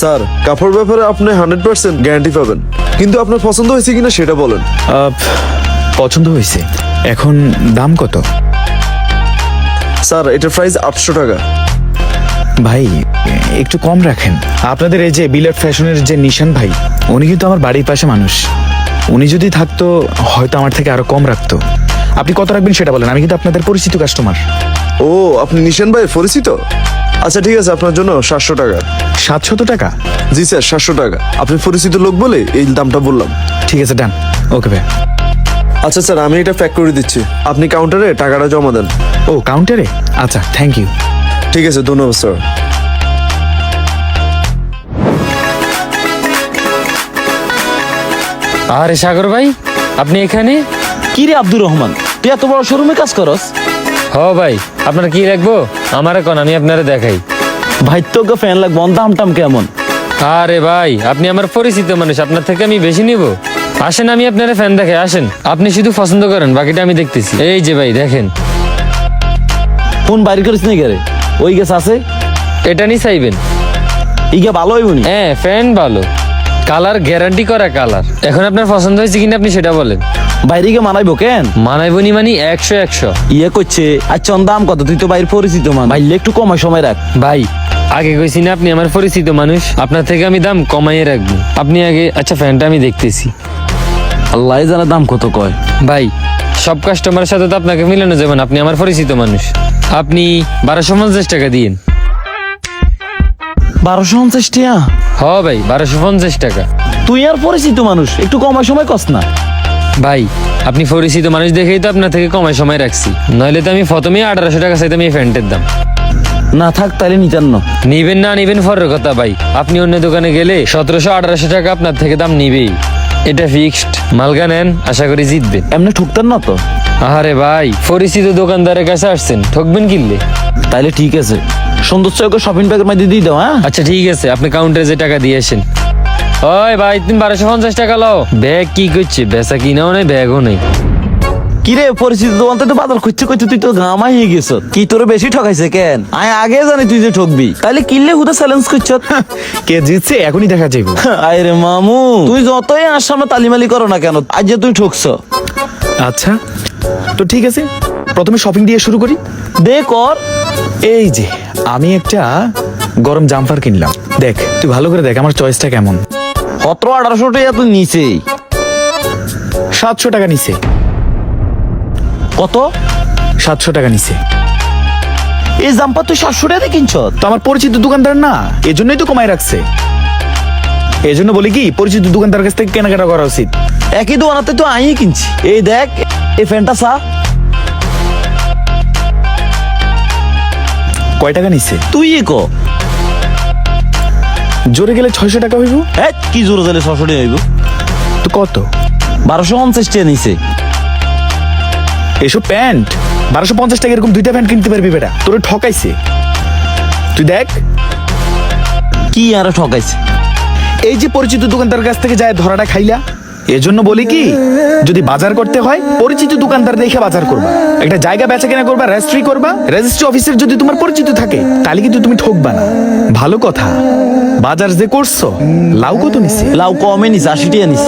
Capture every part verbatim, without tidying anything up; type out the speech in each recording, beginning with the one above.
Sir কাপড় ব্যাপারে আপনি হান্ড্রেড পার্সেন্ট গ্যারান্টি পাবেন, কিন্তু আপনার পছন্দ হয়েছে কিনা সেটা বলেন। আহ, পছন্দ হয়েছে। এখন দাম কত? স্যার এটার প্রাইস আটশো টাকা। ভাই একটু কম রাখেন। আপনাদের এই যে বিলাট ফ্যাশনের যে নিশান ভাই, উনি কিন্তু আমার বাড়ির পাশে মানুষ। উনি যদি থাকতো হয়তো আমার থেকে আরো কম রাখতো। আপনি কত রাখবেন সেটা বলেন, আমি কিন্তু আপনাদের পরিচিত কাস্টমার। ও আপনি নিশান ভাই পরিচিত? আচ্ছা ঠিক আছে, আপনার জন্য সাতশো টাকা। সাতশত টাকা? জি স্যার সাতশো টাকা, আপনি পরিচিত লোক বলে এই দামটা বললাম। ঠিক আছে, ডান। ওকে ভাই। আচ্ছা স্যার আমি এটা প্যাক করে দিচ্ছি, আপনি কাউন্টারে টাকাটা জমা দেন। ও কাউন্টারে? আচ্ছা থ্যাংক ইউ। ঠিক আছে ধন্যবাদ স্যার। আরে সাগর ভাই, আপনি এখানে? কি রে আব্দুর রহমান, তুই এত বড় শোরুমে কাজ করস? হ ভাই, আপনার কি লাগবো আমার এখন, আমি আপনারে দেখাই। ভাই তোকে ফ্যান লাগবো, দাম টাম কেমন? আরে ভাই আপনি আমার পরিচিত মানুষ, আপনার থেকে আমি বেশি নিব। আসেন আমি আপনার ফ্যান দেখে, আসেন। আপনি শুধু পছন্দ করেন, বাকিটা আমি দেখতেছি। এই যে ভাই দেখেন। ফোন বাইর করিস নি রে? ওই গেছ আছে, এটা নি চাইবেন? ইগে ভালো হইব নি? হ্যাঁ ফ্যান ভালো, কালার গ্যারান্টি করা কালার। এখন আপনার পছন্দ হয়েছে কিনা আপনি সেটা বলেন। বাইরে গিয়ে মানাইবো কেন? মানাইবো নি মানে একশো একশো। ইয়ে করছে। আচ্ছা দাম কত? তুই তো বাইরে পরিচিত মান, ভাইলে একটু কমাই সময় রাখ। ভাই আগে কইছি না আপনি আমার পরিচিত মানুষ, আপনার থেকে আমি দাম কমাইয়ে রাখবো। আপনি আগে, আচ্ছা ফ্যানটা আমি দেখতেছি। আল্লাহ জানে দাম কত কয়। ভাই সব কাস্টমারের সাথে তো আপনাকে মিলানো যাবে না, আপনি আমার পরিচিত মানুষ। আপনি বারোশো পঞ্চাশ টাকা দিয়েন। বারোশো পঞ্চাশ টাকা? হ ভাই বারোশো পঞ্চাশ টাকা। তুই আর পরিচিত মানুষ, একটু কমাই সময় কস না? ভাই আপনি পরিচিত মানুষ দেখেই তো আপনার থেকে কমাই সময় রাখছি, নইলে তো আমি প্রথমেই আঠারোশো টাকা চাইতাম এই ফ্যানটার দাম। না থাক তাইলে নিতেন না। নিবেন না নিবেন পরের কথা ভাই, আপনি অন্য দোকানে গেলে সতেরোশো আঠারোশো টাকা আপনার থেকে দাম নিবেই। এটা ফিক্সড, মালগা নেন, আশা করি জিতবেন। এমনি ঠুকতেন না তো? আরে ভাই পরিচিত দোকানদারের কাছে আসছেন, ঠকবেন কিনলে? তাইলে ঠিক আছে, সুন্দর চৌকে শপিং ব্যাগের মধ্যে দিয়ে দাও। হ্যাঁ আচ্ছা ঠিক আছে, আপনি কাউন্টারে যে টাকা দিয়ে আসেন। ওই ভাই তুমি বারোশো পঞ্চাশ টাকা লও। ব্যাগ কি করছে, বেচা কিনাও নেই ব্যাগও নেই। কি রে পরিচিত দোকান তো বাজার খুঁজছে খুঁজছে তুই তো গামাই হয়ে গেছ। কি তোর বেশি ঠকাইছে কেন? আমি আগে জানি তুই যে ঠকবি, তাইলে কিনলে হুদা চ্যালেঞ্জ করছ। কে জিতছে এখনই দেখা যাইব। আরে মামু, তুই যতই আর সামনে তালিমালি করো না কেন, আজ যে তুই ঠকছ। আচ্ছা তো ঠিক আছে, প্রথমে শপিং দিয়ে শুরু করি। দে কর। এই যে আমি একটা গরম জাম্পার কিনলাম, দেখ তুই ভালো করে দেখ আমার চয়েসটা কেমন। সতেরো আঠারোশো টাকা তুই নিচে। সাতশো টাকা নিছে। কত? সাতশো টাকা নিছে। এই জাম্পার তুই সাতশো টাকা কিনছ? তো আমার পরিচিত দোকানদার না, এজন্যই তো কমাই রাখছে। এজন্য বলি কি পরিচিত দোকানদার কাছ থেকে কেনাকাটা করা উচিত। একই দোকানাতে তো আই কিনছি। এই দেখ এই ফ্যানটা চা। কয় টাকা নিছে? তুই ক জোরে গেলে ছয়শো টাকা হইব। হ্যাঁ কি জোরে জালে ছশো টাকা হইব? তো কত? বারোশো পঞ্চাশ টাকা নিছে। এসব প্যান্ট বারোশো পঞ্চাশ টাকা এরকম দুইটা প্যান্ট কিনতে পারবি বেটা? তোরে ঠকাইছে। তুই দেখ কি আর ঠকাইছে? এই যে পরিচিত দোকানদার কাছ থেকে যায় ধরাটা খাইলা। এজন্য বলি কি, যদি বাজার করতে হয় পরিচিত দোকানদার দেখে বাজার করবা। একটা জায়গা বেচা কেনা করবা, রেজিস্ট্রি করবা। রেজিস্ট্রি অফিসের যদি তোমার পরিচিত থাকে তাহলে কিন্তু তুমি ঠকবা না। ভালো কথা, বাজার যে করছো লাউ কত নিছে? লাউ কমে নিছে, আশি টাকা নিছে।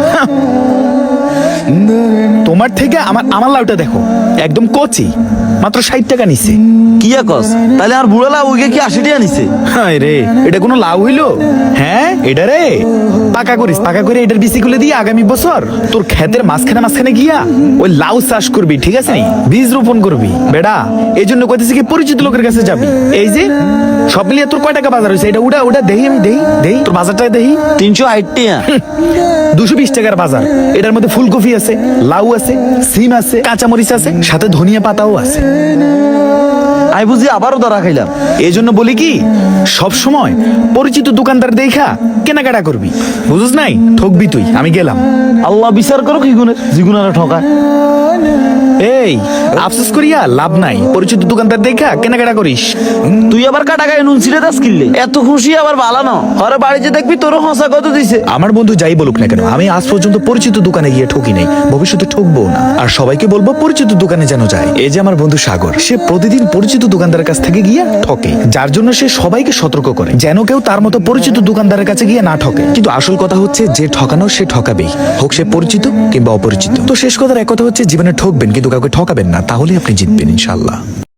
তোমার থেকে আমার আমার লাউটা দেখো, একদম কচি, মাত্র ষাট টাকা নিছে। কি কস? তাহলে আর বুড়া লাউ ওইকে কি আশি টাকা নিছে? হায় রে, এটা কোনো লাউ হইলো? হ্যাঁ এটা রে পাকা করিস, পাকা করে এটার বিসি খুলে দিয়ে আগামী বছর তোর ক্ষেতের মাঝখানে মাঝখানে গিয়া ওই লাউ চাষ করবি, ঠিক আছে নি? বীজ রোপণ করবি বেটা। এই জন্য কইতেছি কি পরিচিত লোকের কাছে যাবি। এই যে সব মিলিয়ে তোর কয় টাকা বাজার হয়েছে এটা উড়া উড়া দেহি, আমি দেহি দেহি তোর বাজারটা দেহি। তিনশো আট টাকা। দুশো বিশ টাকার বাজার। এটার মধ্যে ফুলকপি আছে, লাউ আছে, সিম আছে, কাঁচামরিচ আছে, সাথে ধনিয়া পাতাও আছে। আমি বুঝি আবারও ধরা খাইলাম। এই জন্য বলি কি, সব সময় পরিচিত দোকানদার দেখা কেনাকাটা করবি, বুঝছ নাই? ঠকবি তুই। আমি গেলাম। আল্লাহ বিচার করো কি গুণের, জিগুনারা ঠকায়। এই আফসোস করিয়া লাভ নাই, পরিচিত দোকানদার দেখা কেনাকাটা করিস। তুই আবার কাটা গায়ে নুন ছিঁড়ে দাস কিনলে, এত খুশি আবার ভালো না। ঘরে বাড়িতে দেখবি তোর হসা কত দিছে। আমার বন্ধু যাই বলুক না কেন, আমি আজ পর্যন্ত পরিচিত দোকানে গিয়ে ঠকি নাই, ভবিষ্যতে ঠকবো না। আর সবাইকে বলবো পরিচিত দোকানে যেন যায়। এই যে আমার বন্ধু সাগর, সে প্রতিদিন পরিচিত দোকানদারের কাছ থেকে গিয়ে ঠকে, যার জন্য সে সবাইকে সতর্ক করে যেন কেউ তার মতো পরিচিত দোকানদারের কাছে গিয়ে না ঠকে। কিন্তু আসল কথা হচ্ছে যে ঠকানো সে ঠকাবেই, হোক সে পরিচিত কিংবা অপরিচিত। তো শেষ কথার এক কথা হচ্ছে জীবনে ঠকবেন কিন্তু কাউকে ঠকাবেন না, তাহলেই আপনি জিতবেন ইনশাল্লাহ।